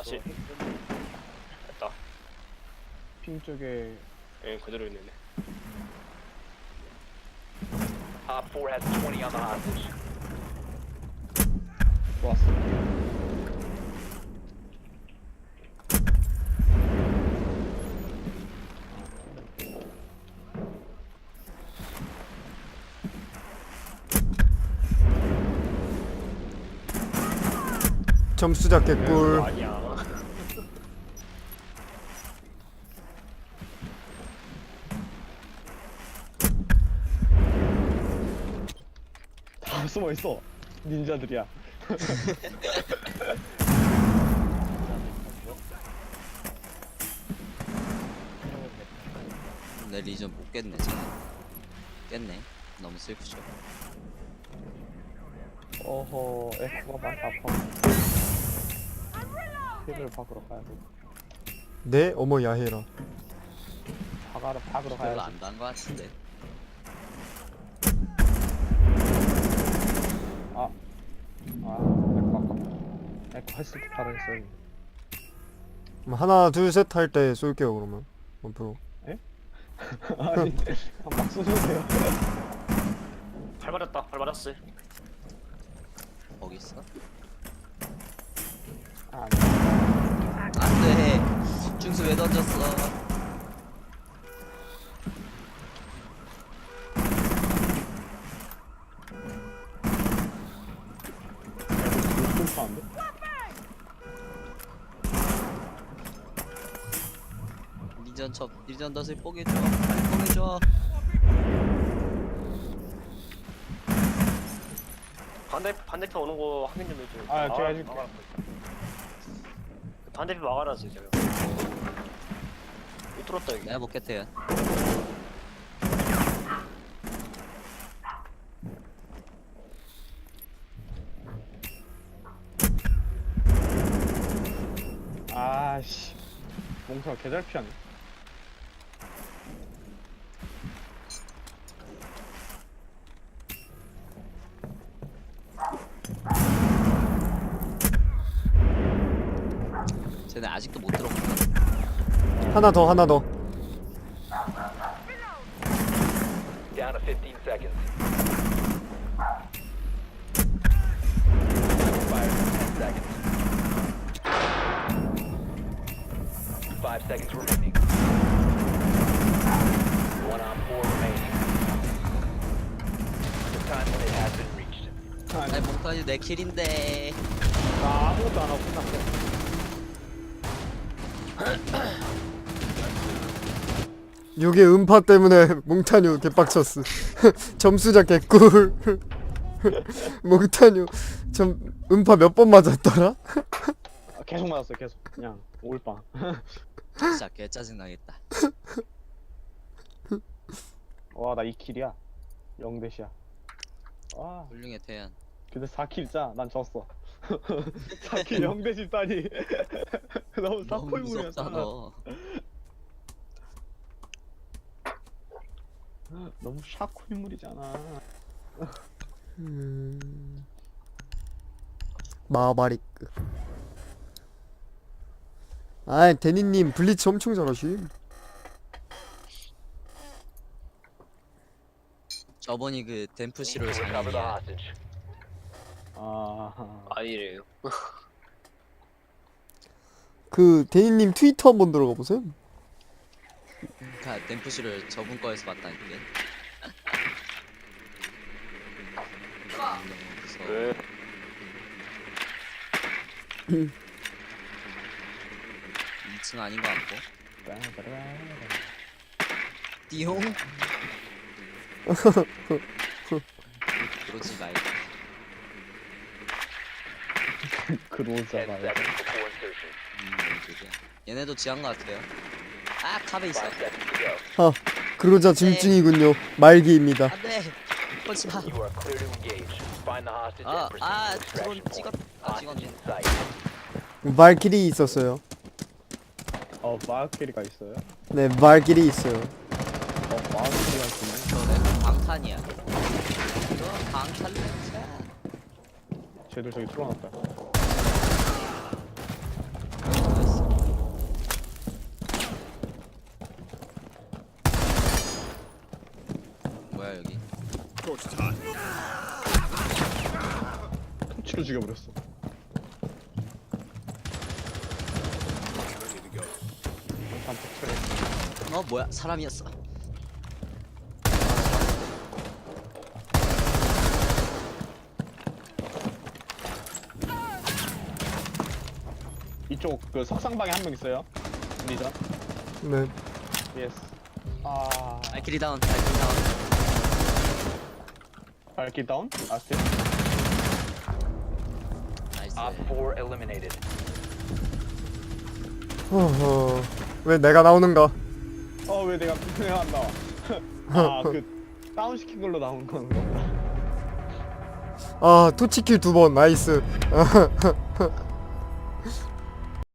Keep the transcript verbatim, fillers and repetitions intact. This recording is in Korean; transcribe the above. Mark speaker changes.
Speaker 1: 다시 됐다.
Speaker 2: 핑 쪽에
Speaker 1: 예, 그대로 있네.
Speaker 3: Op four has twenty on the hostage.
Speaker 2: 왔어.
Speaker 4: 점수자 개꿀.
Speaker 1: 아니야.
Speaker 2: 다 숨어 있어. 닌자들이야.
Speaker 5: 내 리전 못 깼네 쟤는. 깼네. 너무 슬프죠.
Speaker 2: 어허, 에코가 많다. 힐을 박으러 가야 돼.
Speaker 4: 네? 어머 야해라.
Speaker 2: 박아러 박으러
Speaker 5: 별로
Speaker 2: 가야지.
Speaker 5: 안 단 거 같은데.
Speaker 2: 아, 아, 에코 아까 에코 했을 때 바로 했어요.
Speaker 4: 그럼 하나 둘 셋 할 때 쏠게요 그러면. 원프로.
Speaker 2: 아니, 막 쏘세요.
Speaker 1: 발 맞았다. 발 맞았어.
Speaker 5: 거기 있어?
Speaker 2: 아,
Speaker 5: 안돼. 중수 왜 던졌어?
Speaker 2: 불편한데?
Speaker 5: 리전 첩 리전 덫을 뽀개줘. 빨리 뽀개줘.
Speaker 1: 반대 반대편 오는 거 확인 좀 해줘.
Speaker 2: 아, 제가 해줄게.
Speaker 1: 막아라. 반대편 막아라지 제가. 못 들었다 여기.
Speaker 5: 내가 먹겠대요.
Speaker 2: 아씨, 몽타가 개잘 피하네.
Speaker 5: 쟤네 아직도 못 들어갔다.
Speaker 4: 하나 더 하나 더.
Speaker 3: Down to fifteen seconds. Fire ten seconds. Five seconds remaining. One on four remaining. The time limit has been reached.
Speaker 2: 아니,
Speaker 5: 아니 몽타뉴 내 킬인데.
Speaker 2: 나 아무것도 안 하고 끝났어.
Speaker 4: 요게 음파 때문에 몽타뉴 개빡쳤어. 점수자 개꿀. 몽타뉴 점 음파 몇 번 맞았더라?
Speaker 2: 아, 계속 맞았어, 계속. 그냥 올빵.
Speaker 5: 진짜 개 짜증 나겠다.
Speaker 2: 와, 나 이 킬이야. 영 대시야. 와,
Speaker 5: 훌륭해 태연.
Speaker 2: 근데 사 킬짜. 난 졌어. 사 킬 영 대시 따니. 너무
Speaker 5: 너무 무섭다
Speaker 2: 사포유물이었잖아.
Speaker 5: 너.
Speaker 2: 너무 샤코 인물이잖아.
Speaker 4: 음... 마바리크. 아이 데니님 블리츠 엄청 잘하심.
Speaker 5: 저번이 그 댐프시로
Speaker 3: Recover the
Speaker 5: 장인이야.
Speaker 3: hostage.
Speaker 2: 아,
Speaker 1: 아니래요.
Speaker 4: 그 데니님 트위터 한번 들어가 보세요.
Speaker 5: 그니까 댐프시를 저분 거에서 봤다니까. 너무 무서워.
Speaker 1: 왜?
Speaker 5: 이 층 아닌 것 같고. 띠용. 그러지 말고.
Speaker 2: 그로자
Speaker 3: Ten
Speaker 2: 말.
Speaker 3: seconds before insertion.
Speaker 5: 음, 뭔 소리야. 얘네도 지한 것 같아요. 아, 컵에 있어.
Speaker 3: Five seconds to go.
Speaker 4: 아 그러자 짐증이군요. 말기입니다.
Speaker 5: 안돼. 보지 마.
Speaker 3: You are clear to engage. Find the hostage
Speaker 5: 아,
Speaker 3: and proceed
Speaker 5: 아,
Speaker 3: to
Speaker 5: 드론
Speaker 3: extraction
Speaker 5: 찍었.
Speaker 3: point.
Speaker 5: 아,
Speaker 3: Hostage
Speaker 5: 찍었네.
Speaker 3: in sight.
Speaker 4: 말길이 있었어요.
Speaker 2: 어, 마을끼리가 있어요?
Speaker 4: 네 말길이 있어요.
Speaker 2: 어, 마을끼리가 있네.
Speaker 5: 저는 방탄이야. 이거 방탄 렌즈야.
Speaker 2: 쟤들 저기 틀어놨다. 바로 죽여버렸어. 단체 처리.
Speaker 5: 어 뭐야 사람이었어.
Speaker 2: 이쪽 그 석상방에 한 명 있어요. 리전.
Speaker 4: 네.
Speaker 2: 예스. 아,
Speaker 5: 발키리 다운 발키리 다운.
Speaker 2: 발키 다운? 아스트.
Speaker 5: 나이스.
Speaker 3: Op four eliminated.
Speaker 4: 허허. 왜 내가 나오는가?
Speaker 2: 어, 왜 내가 내가 안 나와? 아, 그 다운 시킨 걸로 나온 건가?
Speaker 4: 아, 투치킬 두 번. 나이스.